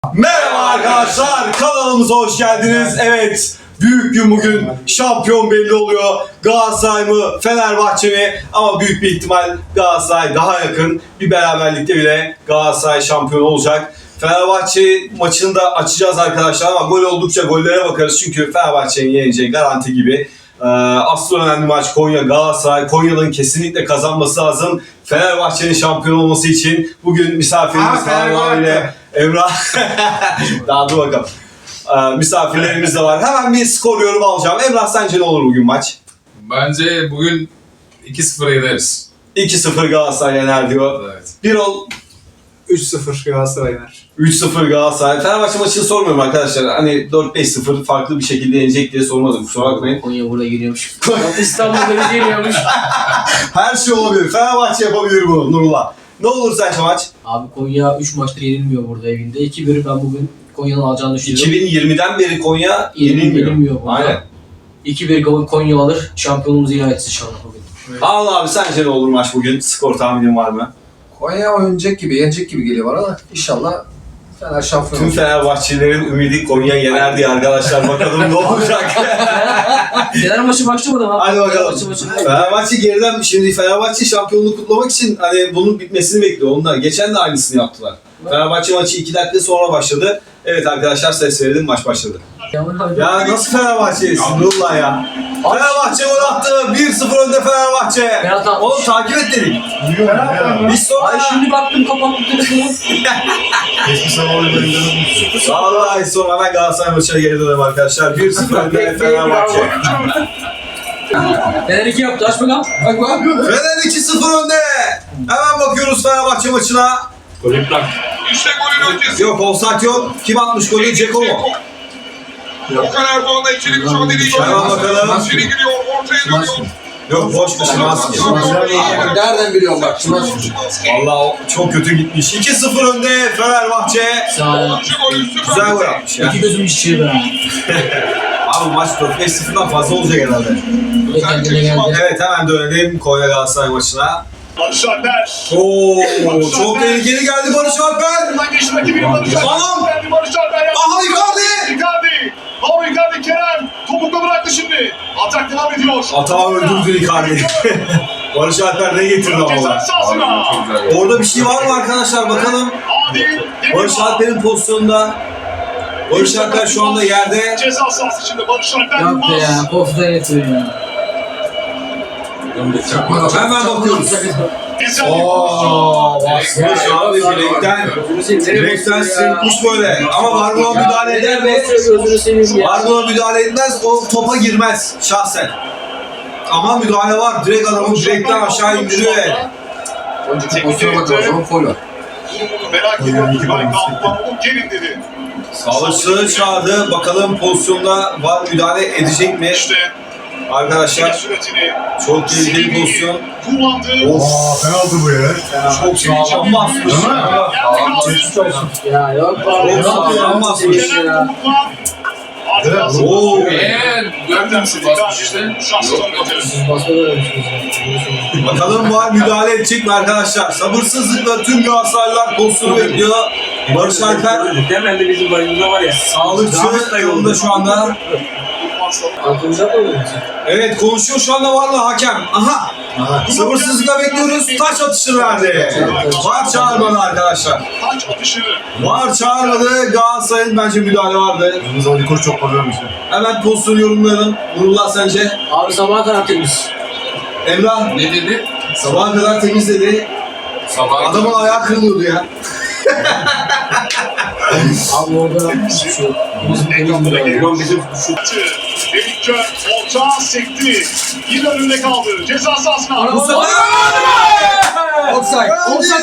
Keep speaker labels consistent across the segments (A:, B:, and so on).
A: Merhaba arkadaşlar, kanalımıza hoş geldiniz. Evet, büyük gün bugün. Şampiyon belli oluyor. Galatasaray mı, Fenerbahçe mi? Ama büyük bir ihtimal Galatasaray daha yakın. Bir beraberlikte bile Galatasaray şampiyon olacak. Fenerbahçe maçını da açacağız arkadaşlar ama gol oldukça gollere bakarız. Çünkü Fenerbahçe'nin yeneceği garanti gibi. Asıl önemli maç Konya Galatasaray. Konya'nın kesinlikle kazanması lazım. Fenerbahçe'nin şampiyon olması için bugün misafirimiz var ile Emrah. Daha dur bakalım. Misafirlerimiz de var. Hemen bir skor yorumu alacağım. Emrah sence ne olur bugün maç?
B: Bence bugün 2-0 yeneriz.
A: 2-0 Galatasaray yener diyor.
B: Evet.
A: Bir ol
C: 3-0 Galatasaray yener.
A: 3-0 Galatasaray. Fenerbahçe maçını sormuyorum arkadaşlar. Hani 4-5-0 farklı bir şekilde yenecek diye sormadım. Kusura bakmayın.
D: Konya burada geliyormuş. İstanbul'da bir geliyormuş.
A: Her şey olabilir. Fenerbahçe yapabilir bunu Nurullah. Ne olur sence maç?
D: Abi Konya 3 maçtır yenilmiyor burada evinde. 2-1 ben bugün Konya'nın alacağını düşünüyorum.
A: 2020'den beri Konya yenilmiyor.
D: burada.
A: Aynen.
D: 2-1 Konya alır. Şampiyonumuzu ilan etsin inşallah bugün.
A: Anıl abi sence ne olur maç bugün? Skor tahminin var mı?
C: Konya oynayacak gibi, yenecek gibi geliyor bana da inşallah Fener şampiyon
A: Tüm
C: olacak.
A: Fenerbahçelilerin ümidi Konya yener diye arkadaşlar. Bakalım ne olacak?
D: Fener maçı başlamadı mı?
A: Hadi bakalım. Fenerbahçe geriden şimdi Fenerbahçe şampiyonluğu kutlamak için hani bunun bitmesini bekliyor onlar. Geçen de aynısını yaptılar. Fenerbahçe maçı 2 dakika sonra başladı. Evet arkadaşlar ses verelim maç başladı. Ya nasıl Fenerbahçe'yisin Nurullah ya? Fenerbahçe gol attı. 1-0 önde Fenerbahçe.
D: Penaltı atmış.
A: Oğlum takip et dedik. Biz sonra...
D: Ay şimdi baktım kapattım telefonu.
A: Vallahi sonra hemen Galatasaray maçına geri dönelim arkadaşlar. 1-0 önde Fenerbahçe.
D: Fener 2 yaptı aç bakalım.
A: Fener 2-0 önde. Hemen bakıyoruz Fenerbahçe maçına.
E: İşte golün öncesi.
A: Yok offside yok. Kim atmış golü? Ceko mu?
E: Okan Erdoğan da içeri mücadeleyi
A: Hemen bakalım.
E: İçeri giriyor, ortaya dönüyor.
A: Yok boş da Şimanski.
C: Nereden biliyorum bak şuna.
A: Valla çok kötü gitmiş. 2-0 önde Fenerbahçe.
D: Sağ ol.
A: Güzel gol atmış ya.
D: İki gözüm içi be.
A: Abi maç 4-5-0'dan fazla olacak herhalde.
D: Bu da kendine geldi.
A: Evet hemen dönelim Konya Galatasaray maçına.
E: Barış Alper.
A: Oo, çok tehlikeli geldi Barış Alper.
E: Buradan geçti rakibini Barış Alper.
A: Tamam.
E: Geldi Barış Alper.
A: Aha Icardi.
E: Icardi. Bravo Icardi Kerem. Topukla bıraktı şimdi. Atak devam ediyor.
A: Atağı öldürdü Icardi. Barış Alper ne getirdi ama.
E: Ceza sahasına.
A: Orada bir şey var mı arkadaşlar bakalım.
E: Adil.
A: Barış Alper'in pozisyonunda. Barış Alper şu anda yerde.
E: Ceza sahası içinde Barış Alper.
D: Yok be ya. Kofta yetiyor ya.
A: Hemen bakıyoruz.
E: Güzel bir
A: Ooo
E: pozisyon.
A: basmış abi direkten sırtmış böyle. Ama Vargola müdahale eder mi?
D: Gözünü seveyim ya.
A: Vargola müdahale etmez, o topa girmez şahsen. Ama müdahale var, direkt adamı direkten aşağı indiriyor yani.
C: Önceki pozisyona bakalım o zaman foul var.
E: Merak ediyorum. Ben kalkmam. O gelin dedi.
A: Sağlıkçıları çağırdı, bakalım pozisyonda var müdahale edecek mi?
E: İşte
A: Arkadaşlar
E: süretini
A: çok tehlikeli pozisyon.
E: kullandı.
F: Penaltı bu ya.
A: Çok sağlam basmış.
D: Ya yok be.
A: Çok sağlam basmış.
D: Ya.
A: Oo.
B: Gördün mü basmış işte.
D: Siz basmadan ölmüşsünüz.
A: Bakalım var müdahale edecek mi arkadaşlar? Sabırsızlıkla tüm Galatasaraylılar pozisyonu bekliyor. Barış Alper
G: Hemen de bizim başımıza var ya.
A: sağlıkçı yolunda şu anda.
D: Aklınıza mı ölmüşsünüz?
A: Evet konuşuyor şu anda varla hakem. Aha. Sabırsızlıkla bekliyoruz. Taç atışını verdi. Var çağırmadı arkadaşlar.
E: Taç atışı.
A: Var çağırmadı. Galatasaray'ın bence müdahale vardı.
F: Yalnız Ali Koç çok parlıyormuş ya.
A: Hemen pozisyonu yorumlayalım. Nurullah sence?
D: Abi sabaha kadar temiz.
A: Emrah
B: Ne dedi?
A: sabaha kadar temizledi.
B: Sabah.
A: Adamın ayağı kırılıyordu ya.
D: Abi orada şu bizim temiz bir adam.
G: Ulan bizim şu
E: Dedikçe orta sekti. Yine önünde kaldı. Ceza sahasına.
A: Mustafa!
C: Offside.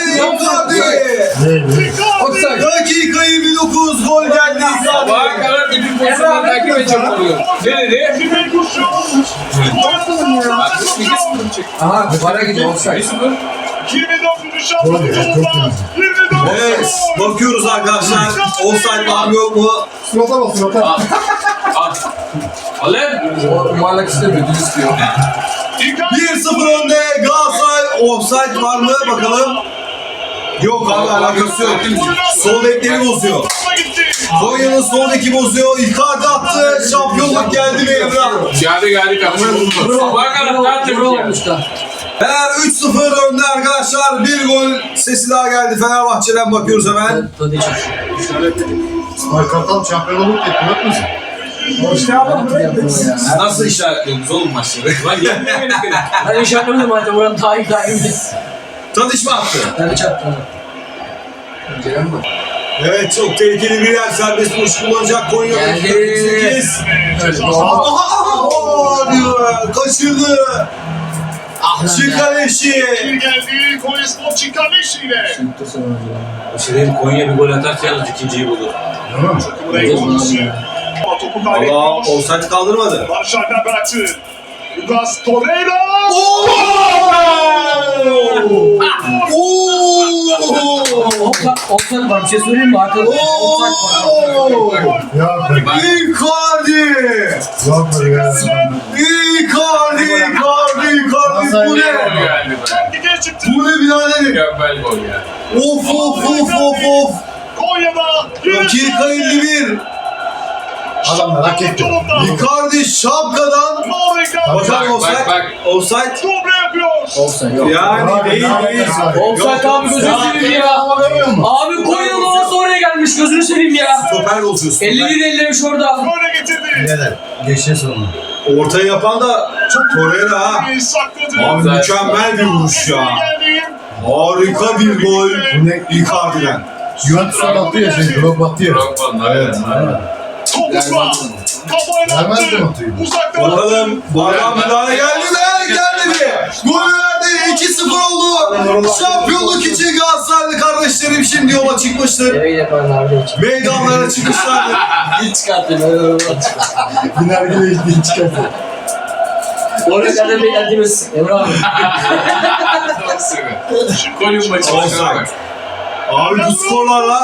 C: Offside.
E: Dikkat!
A: Dakika 29 gol geldi.
B: Sabaha kadar bütün pozisyonları takip edecek oluyor. Ne dedi?
E: Zirve kurşun.
B: Bak 2-0 çıktı.
C: Aha bana gidiyor offside.
B: 1-0.
E: 24. şampiyonluğunda 24.
A: Evet, bakıyoruz arkadaşlar. Offside var mı yok mu?
F: Surata bak surata.
B: Al. Al lan.
C: O yuvarlak istemiyor, düz istiyor.
A: 1-0 önde Galatasaray. Offside var mı bakalım. Yok abi alakası yok. Sol bekleri bozuyor. Konya'nın sol beki bozuyor. Icardi attı. Şampiyonluk geldi mi Emrah?
B: Geldi kapışma buldu. Sabaha kadar tertemiz
D: Bravo
B: yani.
D: olmuşlar.
A: Fener 3-0 önde arkadaşlar. Bir gol sesi daha geldi Fenerbahçe'den bakıyoruz hemen.
D: Tadiç.
F: İsmail Kartal şampiyonluk etti. Yok musun?
B: Nasıl işaretliyorsunuz oğlum maçları? Lan yenmiyor beni beni.
D: Ben işaretlemedim zaten buranın daha iyi daimi.
A: Tadiç mi attı?
D: Tadiç attı.
C: Gelen mi?
A: Evet çok tehlikeli bir yer. Serbest vuruş kullanacak Konya.
D: Geldi.
A: 48. Aha diyor. Kaçırdı. Şikaleşi.
E: Bir geldi. Konyaspor Çinkarneşi ile.
B: O şey Konya bir gol atarsa yalnız ikinciyi bulur.
F: Değil mi?
E: Buraya konusu. Ama topu
A: Allah
E: kaybetmiyor.
A: offside kaldırmadı.
E: Barış Alper bıraktı. Lucas Torreira.
D: Offside var bir şey söyleyeyim mi? Arkada offside var.
F: Ya ben.
A: Icardi.
F: Yok böyle ya.
A: Icardi. Bu ne?
B: Geldi be.
E: Lige çıktı.
A: Bu ne biraderim?
B: Mükemmel gol ya.
A: Of.
E: Konya'da.
A: Dakika 51.
F: Adamlar hak etti.
A: Icardi şapkadan. Bakalım offside.
B: Bak.
A: Offside.
E: Dobre yapıyor.
D: Offside yok.
A: Yani değil.
D: Offside abi gözünü seveyim ya. Abi Konya'nın havası oraya gelmiş gözünü seveyim ya.
A: Stoper bozuyorsun.
D: 51 ellemiş orada.
E: Böyle getirdi.
F: Neden? Geçen sonu.
A: Ortayı yapan da çok Torreira ha.
E: Sakladı.
A: Abi mükemmel bir vuruş ya. Harika bir gol.
F: Bu ne?
A: Icardi'den.
F: Juventus'a battı ya şey. Drog battı ya.
B: Drogba'nın
F: Evet.
E: Topukla. Kafayla
F: Vermez
E: attı.
F: mi atıyı?
E: Uzaktan
A: Bakalım bu adam müdahale geldi mi? Gelmedi. Gol verdi. 2-0 oldu. Şampiyonluk için Galatasaraylı kardeşlerim şimdi yola çıkmıştır.
D: Eve yaparlardı hiç.
A: Meydanlara çıkmışlardır.
D: Hiç çıkarttım.
F: Binergile ilgili çıkarttı.
D: Oraya kadar beklediğimiz Emre abi.
B: Golün maçı.
A: Offside. Abi bu skorlarla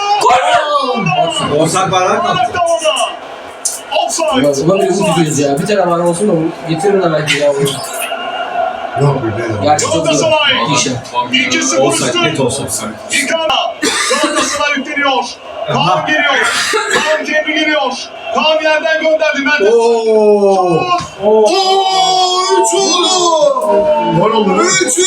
A: offside bayrak mı attı?
E: Offside.
D: Ulan bir umut ediyoruz ya. Bir tane var olsun da getirin de belki ya.
F: Yok bir bela.
D: Gerçi çok iyi.
E: Galatasaray.
D: İşte.
E: 2-0
A: Offside, net
E: üstün.
A: offside.
E: Icardi. Galatasaray yükleniyor. Kaan geliyor. Kaan kendi geliyor. Kaan yerden gönderdi. Mertens.
A: Oo! Oo! 3 oldu!
F: Gol oldu.
A: 3.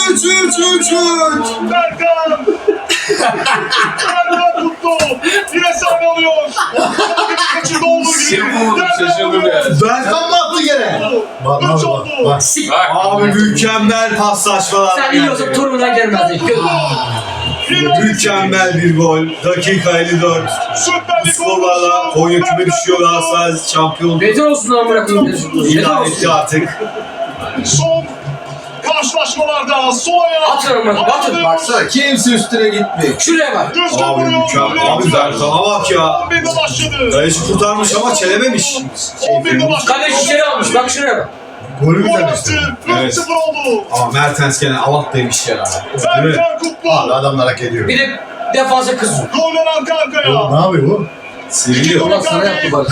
E: Berkan. Berkan tuttu. Yine sahne alıyor. Kaçırdı olduğu gibi.
B: Şaşırdım ya.
A: Berkan mı attı gene?
F: Bak
E: Üç
F: bak
E: oldu.
F: bak.
A: Abi mükemmel paslaşmalar.
D: Sen biliyorsan turundan gelmezdik.
A: Mükemmel bir gol. Dakika 54.
E: Süper Lig
A: Skorlarla Konya küme düşüyor. Galatasaray şampiyon
D: Beter olsun lan bırakın.
A: ilan etti artık.
E: Son karşılaşmalarda sol ayağı.
D: At lan bırakın. Atın.
C: Baksana kimse üstüne gitmiyor.
D: Şuraya bak.
E: Düzgün
A: Abi
E: vuruyor.
A: mükemmel. Abi Berkan'a bak ya.
E: 11'de başladı.
A: Kaleci kurtarmış ama çelememiş.
E: 11'de başladı.
D: Kaleci içeri almış. Bak şuraya bak.
F: Golü
E: Gol
F: güzel
E: attı.
F: işte.
E: 4-0 oldu.
A: Ama Mertens gene avattaymış ya. Değil mi?
E: Berkan Kutlu.
F: Abi adamlar hak ediyor.
D: Bir de defansa kızıyor.
E: Goller arka arkaya.
F: Ne yapıyor bu?
A: Seviliyor.
D: Ulan sana yaptı bak.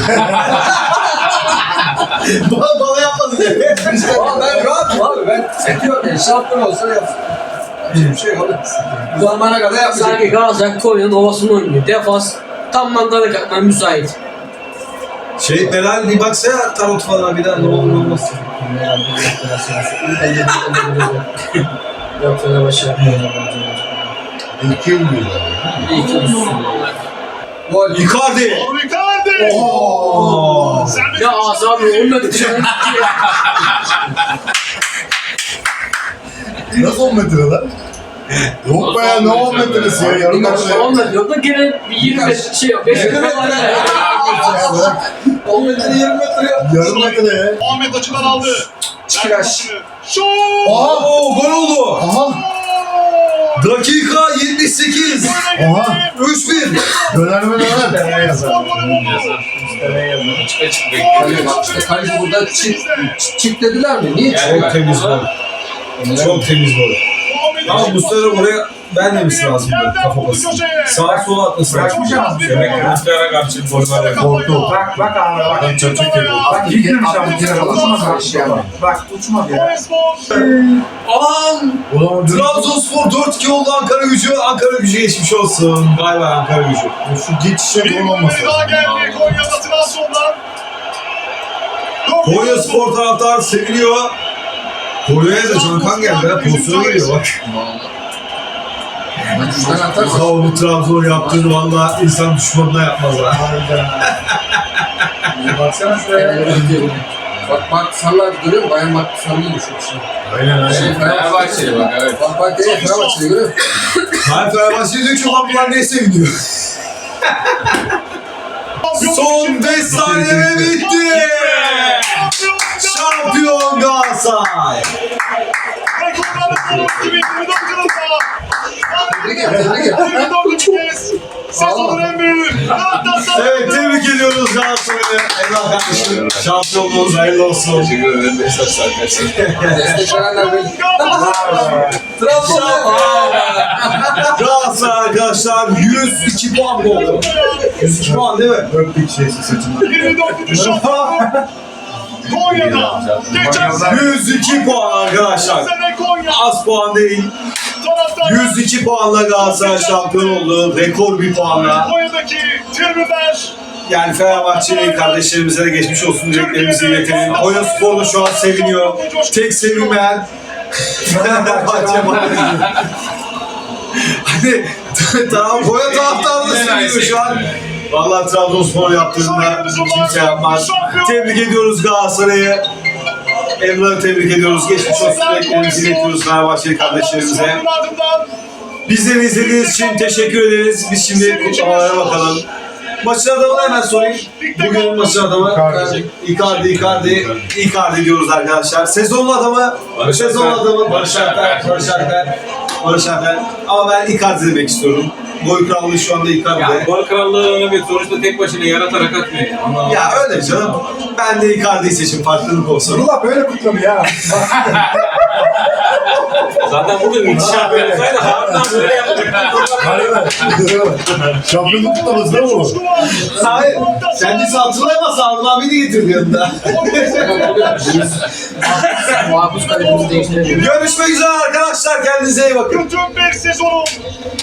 A: Bana yapmadı diye.
C: Aa, ben rahatım abi. Ben sekiyorum yani. Şampiyon olsa yapsın. Hiçbir şey yok. Bu zamana kadar yapmayacak.
D: Sanki Galatasaray Konya'nın ovasını oynuyor. Defans tam mandalık atmaya müsait.
A: Şey Meral bir baksana tarot falan bir daha ne olur ne olmaz.
D: Yok Fenerbahçe.
F: 2 yıl diyorlar.
D: İyi ki
C: Gol.
A: Icardi.
E: Icardi.
A: Oo.
E: Sen de
D: Ya abi olmadı dışarı.
F: Nasıl 10 metre lan? Yok be ya ne 10 metresi ya yarım metre.
D: Olmadı yok da gene 25 şey yok. 5 metre var ya.
F: Ya bırak.
C: 10 metre 20 metre yap.
F: Yarım metre ya.
E: Ahmet açıdan aldı.
C: Çıkıraş.
E: Şut.
A: Oo gol oldu.
F: Aha.
A: Dakika 78.
F: Aha.
A: 3-1.
F: Döner mi döner? Nereye yazar?
B: Açık açık
C: Kaleci
B: bekliyor.
C: bak işte kaleci burada çık dediler mi? Niye?
B: Yani
A: Çok temiz gol. Çok temiz gol. Ama bu sefer oraya Ben demesi lazım. Kafa basın. Sağa sola atması lazım.
G: Demek ki Rüzgar'a karşı forma
F: Korktu.
G: Bak abi bak.
F: Ben çocuk gibi.
G: Bak gitmemiş abi. Bak uçmadı ya.
A: Aman!
F: Ulan
A: Trabzonspor 4-2 oldu Ankara Gücü. Ankara Gücü geçmiş olsun. Vay vay Ankara Gücü.
F: şu geçişe
E: Bir
F: gol olmasın.
E: golü daha geldi Konya'da Trabzon'dan.
A: Konya Spor taraftar seviniyor. Konya'ya da Cankan geldi. Ha, pozisyona geliyor bak.
C: Sen atarsın.
A: Ya bu Trabzon yaptığını valla insan düşmanına yapmaz ha.
G: Baksana şuraya.
C: Bak sarılar görüyor musun? Bayan bak sarıyı düşmüş.
F: Aynen
C: Şey,
F: aynen.
B: Fenerbahçe'ye bak evet.
C: Bak değil Fenerbahçe'yi görüyor musun?
A: Hayır Fenerbahçe diyor ki ulan bunlar neye seviniyor? Son 5 saniye bitti. Şampiyon Galatasaray.
C: Tebrik et, tebrik et.
E: Sezonun en büyüğü.
A: Evet tebrik ediyoruz Galatasaray'ı. Eyvallah kardeşim. Şampiyonluğunuz hayırlı olsun.
B: Teşekkür ederim. Beşiktaş arkadaşlar.
C: Destek verenler benim.
A: Galatasaray arkadaşlar 102 puan oldu. 102 puan değil mi?
F: Öptük şeysi saçından.
E: 24. şampiyon. Konya'da. Geçen
A: 102 puan arkadaşlar.
E: sene Konya.
A: Az puan değil.
E: Taraftar
A: 102 puanla Galatasaray şampiyon oldu. Rekor bir puanla.
E: Konya'daki tribünler.
A: Yani Fenerbahçeli kardeşlerimize de geçmiş olsun dileklerimizi iletelim. Konya Spor da şu an seviniyor. Tek sevinmeyen Fenerbahçe maalesef. Hani tamam Konya taraftarı da seviniyor şu an. Vallahi Trabzonspor yaptığında kimse yapmaz. Tebrik ediyoruz Galatasaray'ı. Emrah'ı tebrik ediyoruz. Geçmiş olsun dileklerimizi iletiyoruz Fenerbahçeli kardeşlerimize.
E: Ardından
A: Bizleri izlediğiniz için teşekkür ederiz. Biz şimdi kutlamalara bakalım. Maçın adamını hemen sorayım. Bugünün maçın adamı Icardi diyoruz arkadaşlar. Sezonun adamı Barış Alper. Ama ben Icardi demek istiyorum. Gol krallığı şu anda Icardi'de.
B: Gol krallığı evet sonuçta tek başına yaratarak atmıyor. Yani. Ama
A: Ya öyle canım. Ben de Icardi'yi seçim farklılık olsun.
F: Nurullah böyle kutlamıyor ya.
B: zaten burada müthiş yapıyorsaydı harbiden böyle yapacak.
F: Harbiden. Şampiyonluk kutlaması değil mi bu?
A: Hayır. Kendisi hatırlayamazsa Anıl abi de getirdi yanında.
C: Muhafız kalemimizi değiştirelim.
A: Görüşmek üzere arkadaşlar. Kendinize iyi bakın.
E: bütün bir sezonun